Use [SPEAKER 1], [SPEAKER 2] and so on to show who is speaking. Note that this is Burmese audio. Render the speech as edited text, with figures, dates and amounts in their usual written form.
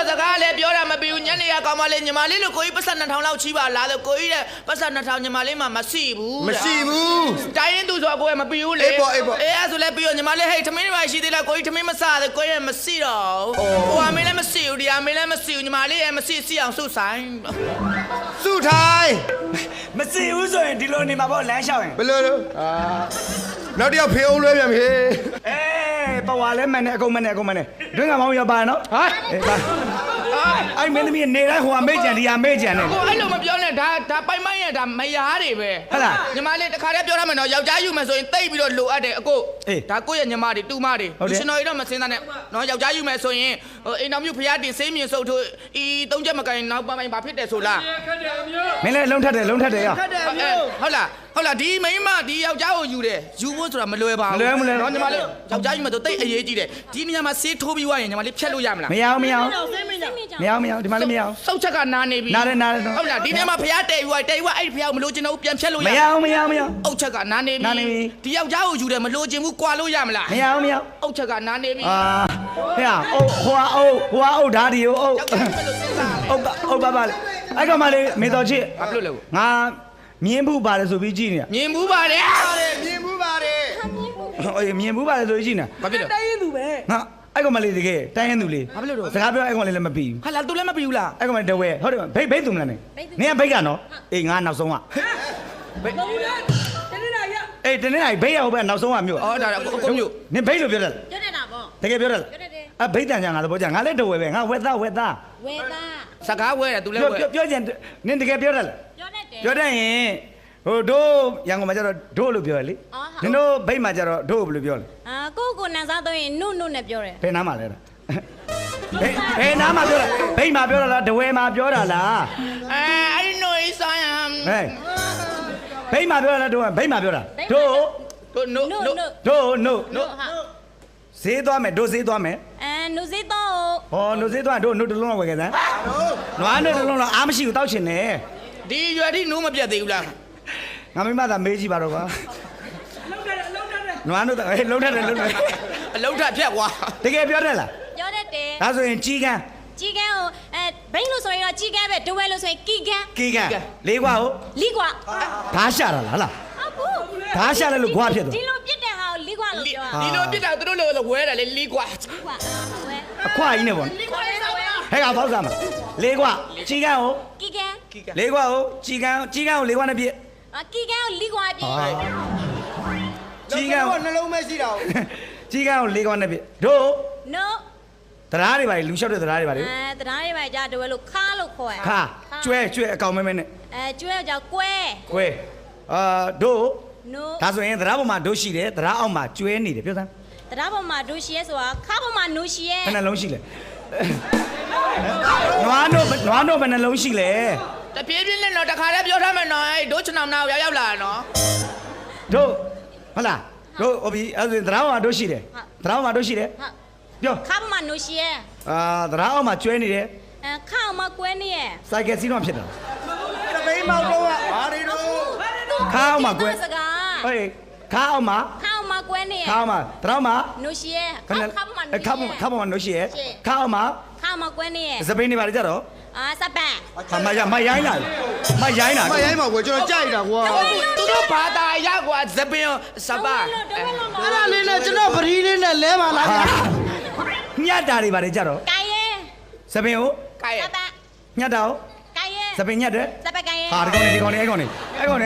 [SPEAKER 1] စကားလည်းပြောတာမပြီးဘူးညနေရကောင်မလေးညီမလေးလို့ကိုကြီးပတ်စံ2000လောက်ချီးပါလားလို့ကိုကြီးတဲ့ပတ်စံ2000ညီမလေးမှမရှိဘူး
[SPEAKER 2] မရှိဘူး
[SPEAKER 1] တိုင်းရင်သူဆိုကိုယ်မပြီးဘူးလေအေးအဲ့ဆိုလည်းပြီးတော့ညီမလေးဟဲ့ထမင်းတွေရှိသေးလားကိုကြီးထမင်းမစားသေးကိုကြီးမရှိတော့ဟိုအမေလည်းမရှိဘူးဒီအမေလည်းမရှိဘူးညီမလေးလည်းမရှိစီအောင်စုဆိုင်
[SPEAKER 2] စုထိုင်
[SPEAKER 3] မရှိဘူးဆိုရင်ဒီလိုနေမှာပေါ့လမ်းလျှောက်ရင်
[SPEAKER 2] ဘယ်လိုလဲနောက်တစ်ယောက်ဖေအောင်လွှဲပြန်ပြီ
[SPEAKER 3] ပဝါလဲမှန်တယ်အကုန်မှန်တယ်တွင်းကမောင်းရပါနော်ဟာအဲ့မင်းသမီးနေတိုင်းဟိုအမေ့ကြံဒီအမေ့ကြံနေ
[SPEAKER 1] ကိုအဲ့လိုမပြောနဲ့ဒါပိုင်မိုင်းရဒါမယားတွေပဲ
[SPEAKER 3] ဟုတ်လား
[SPEAKER 1] ညီမလေးတခါတည်းပြောရမယ်နော်ယောက်ျားယူမယ်ဆိုရင်တိတ်ပြီးတော့လိုအပ်တယ်အကိုဒါကိုရဲ့ညီမတွေတူမတွေလူရှင်တော်ကြီးတော့မစင်းသားနဲ့နော်ယောက်ျားယူမယ်ဆိုရင်အိမ်တော်မျိုးဖျားတင်ဆေးမြင်စုပ်ထိုးဤသုံးချက်မကင်နောက်ပိုင်းဘာဖြစ်တယ်ဆိုလား
[SPEAKER 3] မင်းလည်းလုံးထက်တယ်ရဟုတ်
[SPEAKER 1] လားဒီမိန်းမဒီယောက်ျားကိုယူတယ်ယူဖို့ဆိုတာမလွယ်ပါဘူးနော်ညီမလေးယောက်ျားယူမယ်ဆိုတိတ်အရေးကြီးတယ်ဒီနေရာမှာဆေးထိုးပြီးွားရင်ညီမလေးဖြတ်လို့ရမလား
[SPEAKER 3] မရအောင်ဒီမှာလည်းမရအောင်
[SPEAKER 1] စောက်ချက်ကနားနေပြီ
[SPEAKER 3] နား
[SPEAKER 1] ဟုတ်လားဒီနေရာမှာဖျားတဲယူအဲ့ဖျားကိုမလို့ချင်တော့ပြန်ဖြတ်လို့ရ
[SPEAKER 3] မရအောင်
[SPEAKER 1] အုတ်ချက်ကနားနေပြီဒီယောက်ျားကိုယူတယ်မလို့ချင်ဘူးကွာလို့ရမလား
[SPEAKER 3] မရအောင်
[SPEAKER 1] အုတ်ချက်ကနားနေပြီ
[SPEAKER 3] ဟဲ့ဟိုအုတ်ဓာတ်ဒီအုတ်ပါပါလေအဲ့ကောင်မလေးမေတော်ချစ်
[SPEAKER 1] ဘာဖြစ်လို့လဲ
[SPEAKER 3] ငါမြင်းဘူးပါတယ်ဆိုပြီးကြည့်နေတာ
[SPEAKER 1] မြင်းဘူးပါတယ်
[SPEAKER 2] မြင်ဘူးပါတယ်
[SPEAKER 3] မြင်းဘူးပါတယ်ဆိုပြီးကြည့်နေတာ
[SPEAKER 1] ဘာဖြစ်လို့
[SPEAKER 4] တိုင်းရင်သူပဲ
[SPEAKER 3] ငါအဲ့ကောင်မလေးတကယ်တိုင်းရင်သူလေး
[SPEAKER 1] ဘာဖြစ်လို့
[SPEAKER 3] စကားပြောအဲ့ကောင်လေးလည်းမပြီးဘူး
[SPEAKER 1] ဟာလားသူလည်းမပြီးဘူးလား
[SPEAKER 3] အဲ့ကောင်မလေးတဝဲဟုတ်တယ်ဘိတ်သူမလားနင်ကဘိတ်ကနော်အေးငါနောက်ဆုံးက
[SPEAKER 4] ဘယ်လိုလဲတနေ့နိုင်ရ
[SPEAKER 3] အေးတနေ့နိုင်ဘိတ်ရဟုတ်ပဲနောက်ဆုံးကမြို့
[SPEAKER 1] ဒါကိုမြို့
[SPEAKER 3] နင်ဘိတ်လို့ပြောတယ်
[SPEAKER 5] ပြောနေတာပေါ့
[SPEAKER 3] တကယ်ပြောတယ်အဘိတ်တန်ကြငါသဘောကြငါလည်းတဝဲပဲငါဝက်သား
[SPEAKER 1] စကားဝဲတယ်သူလည်းဝဲ
[SPEAKER 3] ပြောချင်နင်တကယ်ပြောတယ်လားပြောတတ်ရင်ဟိုတို့ရန်ကုန်မှာကျတော့တို့လို့ပြောရလေနင်တို့ဘိတ်မှာကျတော့တို့ဘယ်လိုပြောလဲ
[SPEAKER 5] ကိုနန်းစားတော့ရင်နုနဲ့ပြောတယ်
[SPEAKER 3] ဘယ်နားမှာလဲဘယ်နားမှာပြောတာဘိတ်မှာပြောတာလားတဝဲမှာပြောတာလား
[SPEAKER 1] အဲ့ဒီနိုးဆိုင်ဟမ်
[SPEAKER 3] ဘိတ်မှာပြောတာလားတို့ဘိတ်မှာပြောတာတို့ဈေးသွားမယ်တို့ဈေးသွားမယ်
[SPEAKER 5] နုဈေးတော့
[SPEAKER 3] ဟောနုဈေးသွားတို့နုတစ်လုံးလောက်ဝယ်ခဲ့စမ်းနွားနုတစ်လုံးလောက်အားမရှိဘူးတောက်ချင်တယ်
[SPEAKER 1] ဒီရွယ်ထိနိုးမပြတ်သေးဘူးလား
[SPEAKER 3] ငါမိမသာမေးကြည့်ပါတော့ကွာနွားနုလုံးထက်တယ်
[SPEAKER 1] အလုံးထက်ဖြတ်ကွာ
[SPEAKER 3] တကယ်ပြောတတ်လား
[SPEAKER 5] ပြောတတ်တယ်
[SPEAKER 3] ဒါဆိုရင်ကြီးကန်း
[SPEAKER 5] ကိုဘိန်းလို့ဆိုရင်တော့ကြီးကန်းပဲဒဝဲလို့ဆိုရင်ကီကန်း
[SPEAKER 3] လေးကွာဟုတ်
[SPEAKER 5] လီကွာ
[SPEAKER 3] ဓာရှာတာလားဟုတ်ဓာရှာလဲလို့ခွာဖြစ်သွား
[SPEAKER 5] ဒီလိုပြစ်တဲ့ဟာကိုလီကွာလို့ပြော
[SPEAKER 1] ဒီလိုပြစ်တာသူတို့လိုဝဲတယ်လေလီကွာ
[SPEAKER 3] အခွာကြီးနဲ့ပေါ့
[SPEAKER 5] လီကွာလေးဆိုရ
[SPEAKER 3] ဟဲ့ကဖောက်စားမှာလေးကွာကြီးကန်းဟုတ်
[SPEAKER 5] ကီကန်း
[SPEAKER 3] လေးကွာဟုတ်ကြီးကန်းကိုလေးကွာနဲ့ပြည့်
[SPEAKER 5] ကီကန်းကိုလီကွာပြည့်
[SPEAKER 2] ကြီးကန်းကိုနှလုံးမဲရှိတာကို
[SPEAKER 3] ကြီးကန်းကိုလေးကွာနဲ့ပြည့်တို့
[SPEAKER 5] no
[SPEAKER 3] တရားတွေပါလူလျှောက်တဲ့တရားတွေပါလေ
[SPEAKER 5] တရားတွေပါကြဒဝဲလို့ခါလို့ခေါ်ရ
[SPEAKER 3] ခါကျွဲအကောင်မဲနဲ့
[SPEAKER 5] ကျွဲကြောင့်ကွဲ
[SPEAKER 3] တို့
[SPEAKER 5] no
[SPEAKER 3] ဒါဆိုရင်တရားပေါ်မှာတို့ရှိတယ်တရားအောက်မှာကျွဲနေတယ်ပြောစမ်း
[SPEAKER 5] တရားပေါ်မှာတို့ရှိရဲဆိုတာခါပေါ်မှာနိုးရှိရဲ
[SPEAKER 3] ဘယ်နှလုံးရှိလဲနွားတို့ဘယ်နှလုံးရှိလဲ
[SPEAKER 1] တပြေးပြင်းနဲ့တော့တခါတည်းပြောထားမယ်နော်အဲ့ဒိုးချနောင်နာကိုရောက်လာနော်
[SPEAKER 3] တို့ဟုတ်လားတို့ဟိုပြီအဲ့ဒါတရားပေါ်မှာတို့ရှိတယ်တရားပေါ်မှာတို့ရှိတယ်ပြော
[SPEAKER 5] ခါပေါ်မှာနိုးရှိရဲ
[SPEAKER 3] တရားအောက်မှာကျွဲနေတယ်
[SPEAKER 5] ခါအောင်မှာကွဲနေရဲ
[SPEAKER 3] စိုက်ကယ်စီးတော့ဖြစ်တာ
[SPEAKER 2] တပိမောက်တော့ဘာတွေတော့
[SPEAKER 3] ခါအောင်မှာကွဲဟေးခါအောင်မှာ
[SPEAKER 5] ကွဲနေရဲ
[SPEAKER 3] ခါအောင်မှာတရားမှာ
[SPEAKER 5] နိုးရှိရဲခါပေါ်မှာ
[SPEAKER 3] နိုးရှိရဲခါအောင်မှာ
[SPEAKER 5] ကွဲနေရဲ
[SPEAKER 3] စပိန်နေပါလေကြတော့
[SPEAKER 5] စပန်
[SPEAKER 3] မရိုင်းလာ
[SPEAKER 2] မရိုင်းမှာကွာကျွန်တော်ကြိုက်တာကွာ
[SPEAKER 1] သူတို့ဘာသာရကွာစပင်စပါ
[SPEAKER 2] အဲ့ဒါလေးနဲ့ကျွန်တော်ပရီးလေးနဲ့လဲပါလား
[SPEAKER 3] ညတ်တာတွေပါလေကြတော့
[SPEAKER 5] ကိုင်ရဲ
[SPEAKER 3] စပင်ကို
[SPEAKER 1] ကိုင်ရဲ
[SPEAKER 5] စပန်
[SPEAKER 3] ညတ်တာကို
[SPEAKER 5] ကိုင်ရဲ
[SPEAKER 3] စပင်ညတ်တယ်
[SPEAKER 5] စပန်ကိုင်ရဲ
[SPEAKER 3] ဟာဒီကောင်နေ